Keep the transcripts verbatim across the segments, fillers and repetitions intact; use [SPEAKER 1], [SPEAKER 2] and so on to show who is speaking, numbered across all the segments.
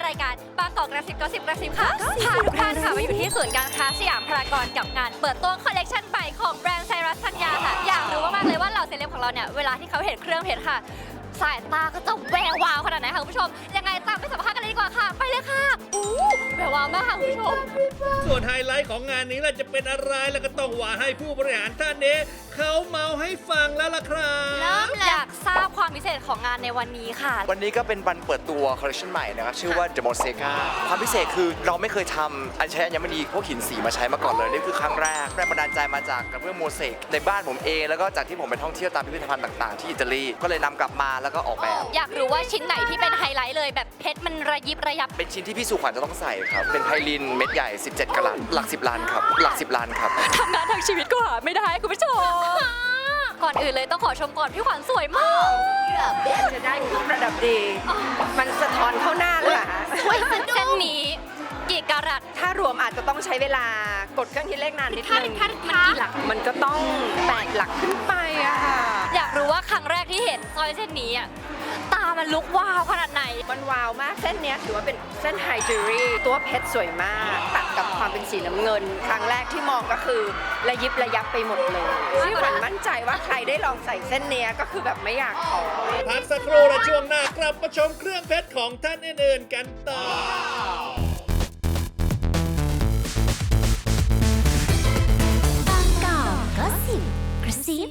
[SPEAKER 1] รายการบางกอกกระซิบกระซิบกระซิบค่ะพาทุกท่านค่ะมาอยู่ที่ศูนย์การค้าสยามพารากอนกับงานเปิดตัวคอลเลกชันใหม่ของแบรนด์ไซรัสธัญญาค่ะอยากรู้มากๆเลยว่าเหล่าเซเลบของเราเนี่ยเวลาที่เขาเห็นเครื่องเพชรค่ะสายตาก็จะแวววาวขนาดไหนคะคุณผู้ชมยังไงตามไปสัมภาษณ์กันเลยดีกว่าค่ะไปเลยค่ะอู้แวววาวมากค่ะคุณผู้ชม
[SPEAKER 2] ส่วนไฮไลท์ของงานนี้ล่ะจะเป็นอะไรแล้วก็ต้องว่าให้ผู้บริหารท่านนี้เขาเมาให้ฟังแล้วล่ะครับ
[SPEAKER 1] เริ่มอยากทราบความพิเศษของงานในวันนี้ค่ะ
[SPEAKER 3] วันนี้ก็เป็นวันเปิดตัวคอลเลคชันใหม่นะครับชื่อว่า The Mosaica ความพิเศษคือเราไม่เคยทำอัญชัยอัญมณีพวกหินสีมาใช้มาก่อนเลยนี่คือครั้งแรกแรงบันดาลใจมาจากกระเบื้องโมเสกในบ้านผมเองแล้วก็จากที่ผมไปท่องเที่ยวตามพิพิธภัณฑ์ต่างๆที่อิตาลีก็เลยนำกลับมาแล้วก็ออกแบบ
[SPEAKER 1] อยากรู้ว่าชิ้นไหนที่เป็นไฮไลท์เลยแบบเพชรมันระยิบระยับ
[SPEAKER 3] เป็นชิ้นที่พี่สุขวัญจะต้องใส่ครับเป็นไพลินเม็ดใหญ่สิบเจ็ดกะรัตหลักสิบล้านครับหลักสิบล้านครับ
[SPEAKER 1] ทำงานทางชีวิตก็หาไม่ได้คุณผู้ชมก่อนอื่นเลยต้องขอชมก่อนพี่ขวัญสวยมาก
[SPEAKER 4] เพื่อจะได้เครื่องประดับดี มันสะท้อนเข้าหน้าเลยค่ะ
[SPEAKER 1] สวยสะดุ้งเส้นนี้กี่กะรัต
[SPEAKER 4] ถ้ารวมอาจจะต้องใช้เวลากดเครื่องคิดเลขนานนิดนึง
[SPEAKER 1] มันกี่หลัก
[SPEAKER 4] มันก็ต้องแปดหลักขึ้นไปอะค่ะ
[SPEAKER 1] อยากรู้ว่าครั้งแรกที่เห็นสร้อยเส้นนี้อะตามันลุกว้าวขนาดไหน
[SPEAKER 4] มันว้าวมากเส้นนี้ถือว่าเป็นเส้นไฮจิวเวลรี่ตัวเพชรสวยมากตัดกับความเป็นสีน้ำเงิน ครั้งแรกที่มองก็คือระยิบระยับไปหมดเลยที่ขวัญมั่นใจว่าใครได้ลองใส่เส้นนี้ก็คือแบบไม่อยากถอด
[SPEAKER 2] พักสักครู่และช่วงหน้ากลับมาชมเครื่องเพชรของท่านอื่นๆกันต่อ
[SPEAKER 5] บางกอกก็สิบกระซิ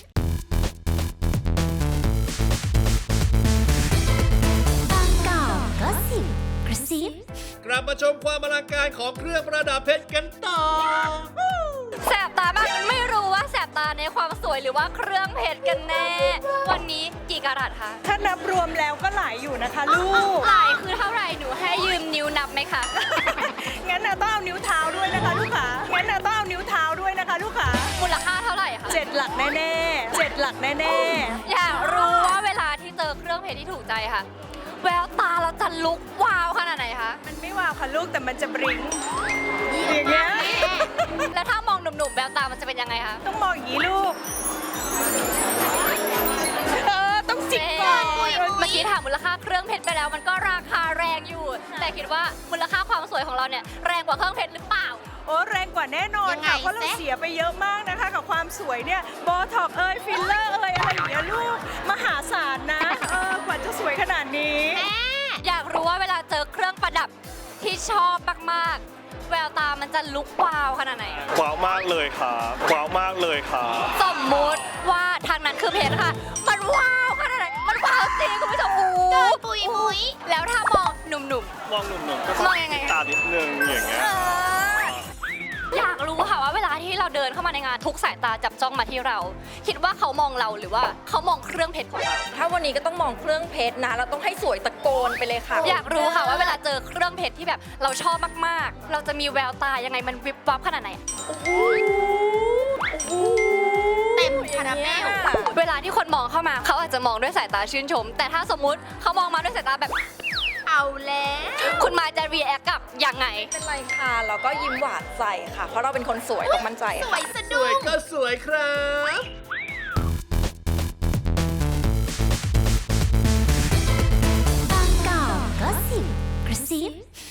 [SPEAKER 5] บางกอกก็สิบกระซิบ
[SPEAKER 2] กลับมาชมความอลังการของเครื่องประดับเพชรกันต่อ
[SPEAKER 1] แสบตามากไม่รู้ว่าแสบตาในความสวยหรือว่าเครื่องเพชรกันแน่วันนี้กี่กะรัตคะ
[SPEAKER 6] ถ้านับรวมแล้วก็หลายอยู่นะคะลูก
[SPEAKER 1] หลายคือเท่าไหร่หนูให้ยืมนิ้วนับไหมคะ
[SPEAKER 6] งั้นน่ะต้องเอานิ้วเท้าด้วยนะคะลูกค้างั้นน่ะต้องเอานิ้วเท้าด้วยนะคะลูกค้า
[SPEAKER 1] มูลค่าเท่าไหร่คะ
[SPEAKER 6] เจ็ดหลักแน่ๆเจ็ดหลักแน่
[SPEAKER 1] ๆอยากรู้ว่าเวลาที่เจอเครื่องเพชรที่ถูกใจค่ะแววตาเราจะลุกว้าวขนาดไหนคะ
[SPEAKER 6] มันไม่ว้าวค่ะลูกแต่มันจะบริ้งอย่างเงี้ย
[SPEAKER 1] แล้วถ้ามองหนุ่มๆแววตามันจะเป็นยังไงคะ
[SPEAKER 6] ต้องมองอย่างนี้ลูกเออต้องจิกก่อน
[SPEAKER 1] เมื่อกี้ถามมูลค่าเครื่องเพชรไปแล้วมันก็ราคาแรงอยู่แต่คิดว่ามูลค่าความสวยของเราเนี่ยแรงกว่าเครื่องเพชรหรือเปล่า
[SPEAKER 6] โอ้แรงกว่าแน่นอนค่ะเพราะเราเสียไปเยอะมากนะคะกับความสวยเนี่ยโบท็อกเอยฟิลเลอร์เอยอะไรอย่างเงี้ยลูกมหาศาลนะเออกว่าจะสวยขนาดนี้
[SPEAKER 1] อยากรู้ว่าเวลาเจอเครื่องประดับที่ชอบมากๆแววตามันจะลุกว้าวขนาดไหน
[SPEAKER 7] ว้าวมากเลยครับว้าวมากเลยครับ
[SPEAKER 1] สมมุติว่าทางนั้นคือเพชรค่ะมันว้าวขนาดไหนมันว้าวจริงคุณผู้ชมอู้ปุยปุยแล้วถ้ามองหนุ่ม
[SPEAKER 7] ๆมองหนุ่มๆก็
[SPEAKER 1] มองยังไง
[SPEAKER 7] ตาดิดนึงอย่างเงี้ย
[SPEAKER 1] อยากรู้ค่ะว่าเวลาที่เราเดินเข้ามาในงานทุกสายตาจับจ้องมาที่เรา คิดว่าเขามองเราหรือว่าเขามองเครื่องเพชรของเรา
[SPEAKER 4] ถ้าวันนี้ก็ต้องมองเครื่องเพชรนะเราต้องให้สวยตะโกนไปเลยค่ะ
[SPEAKER 1] อยากรู้ค่ะว่าเวลาเจอเครื่องเพชรที่แบบเราชอบมากๆเราจะมีแววตายังไงมันวิบวับขนาดไหนเต็มคาราเมลเวลาที่คนมองเข้ามาเขาอาจจะมองด้วยสายตาชื่นชมแต่ถ้าสมมุติเขามองมาด้วยสายตาแบบเอาแล้วคุณมาจะรีแอคกับยังไง
[SPEAKER 4] เป็นไรค่ะเราก็ยิ้มหวานใส่ค่ะเพราะเราเป็นคนสวยต้องมั่นใจ
[SPEAKER 1] สวยสะดุ้ง
[SPEAKER 2] สวยก็สวยครับ
[SPEAKER 5] บางกอกก็สิบกระซิบ